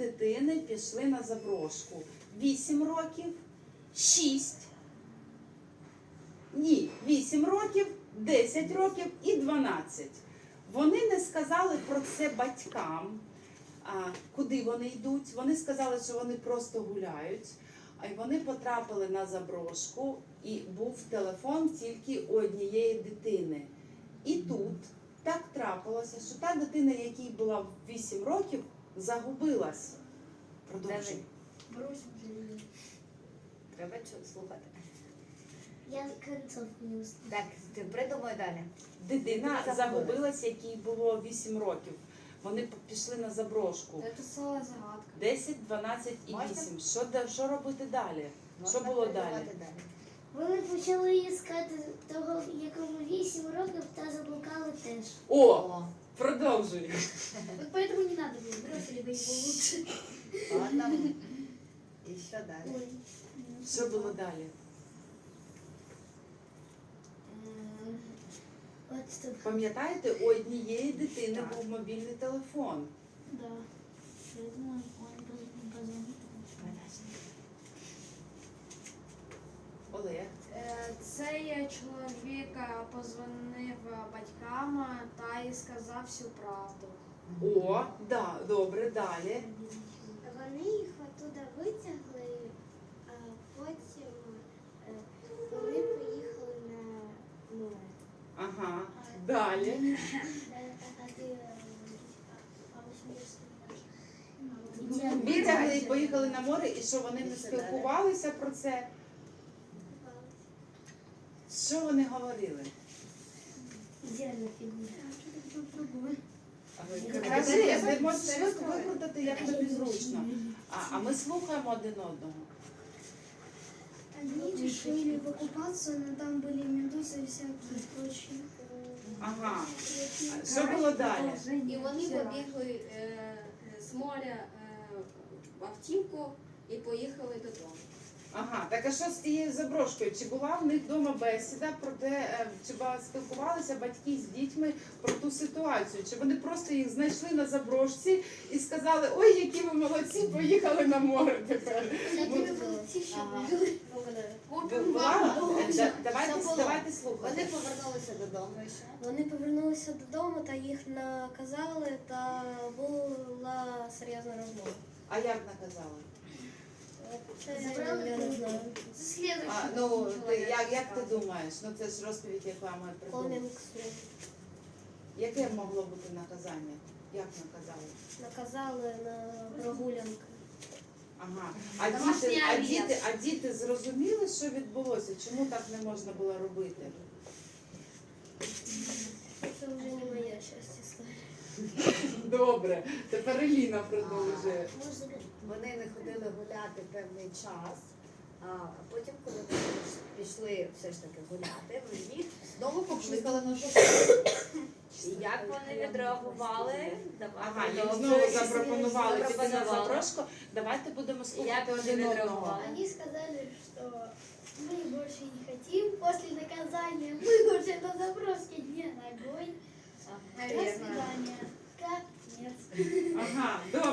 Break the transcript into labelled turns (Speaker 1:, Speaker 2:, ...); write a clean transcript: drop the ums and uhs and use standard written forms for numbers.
Speaker 1: дитини пішли на заброшку. 8 років, 6, 8 років, 10 років і 12. Вони не сказали про це батькам, куди вони йдуть. Вони сказали, що вони просто гуляють. А вони потрапили на заброшку, і був телефон тільки у однієї дитини. І тут так трапилося, що та дитина, якій була 8 років, загубилась. Продовжуй.
Speaker 2: Треба слухати.
Speaker 3: Я концовку не услышала.
Speaker 2: Так, ти придумай далі.
Speaker 1: Дитина загубилась, якій було 8 років. Вони пішли на заброшку.
Speaker 4: Це ціла загадка.
Speaker 1: 10, 12 і 8. Що робити далі? Що було далі?
Speaker 3: Вони почали іскати того, якому 8 років, та заблукали теж.
Speaker 1: О! Продовжуй.
Speaker 3: Вот поэтому не надо было, бросили бы его лучше.
Speaker 2: Ладно. І що далі?
Speaker 1: Що було далі?
Speaker 3: Вот что.
Speaker 1: Пам'ятаєте, у однієї дитини був мобільний телефон.
Speaker 3: Да. Я думаю, он позвонит.
Speaker 1: Олег.
Speaker 4: Цей чоловік позвонив батькам та й сказав всю правду.
Speaker 1: О, да, добре, далі.
Speaker 3: Вони їх оттуда витягли, а потім вони поїхали на море.
Speaker 1: Ага, далі. Витягли і поїхали на море, і що вони не спілкувалися про це? Що вони говорили?
Speaker 3: Идеальная фигура.
Speaker 1: Кажи, ти можеш викрутити, як тобі зручно. А ми слухаємо один одного.
Speaker 3: Они решили покупаться, но там были медузы и всякие прочие.
Speaker 1: Ага. Що було далі?
Speaker 5: І вони побігли з моря в автівку і поїхали додому.
Speaker 1: Ага, так а що з тією заброшкою? Чи була в них вдома бесіда про те, чи спілкувалися батьки з дітьми про ту ситуацію? Чи вони просто їх знайшли на заброшці і сказали, ой, які ви молодці, поїхали на море тепер? Давайте слухати.
Speaker 2: Вони повернулися додому і що?
Speaker 6: Вони повернулися додому та їх наказали, та була серйозна розмова.
Speaker 1: А як наказали?
Speaker 6: Я не знаю.
Speaker 1: Як ти думаєш? Ну це ж розповідь, яку ми придумали.
Speaker 6: Коміксу.
Speaker 1: Яке могло бути наказання? Як наказали?
Speaker 6: Наказали на прогулянки.
Speaker 1: Ага. А діти зрозуміли, що відбулося? Чому так не можна було робити?
Speaker 6: Це вже не моя часть історії.
Speaker 1: Добре. Тепер Еліна продовжує.
Speaker 2: Вони не ходили гуляти певний час, а потім, коли вони пішли все ж таки гуляти, вони їх знову покликали на заброшку.
Speaker 5: І як вони відреагували?
Speaker 1: Ага, їм знову запропонували піти на заброшку. Давайте будемо слухати один одного.
Speaker 3: Они сказали, что мы больше не хотим. После наказания мы уже на заброске не ногой. До свидания. Конец.
Speaker 1: Ага,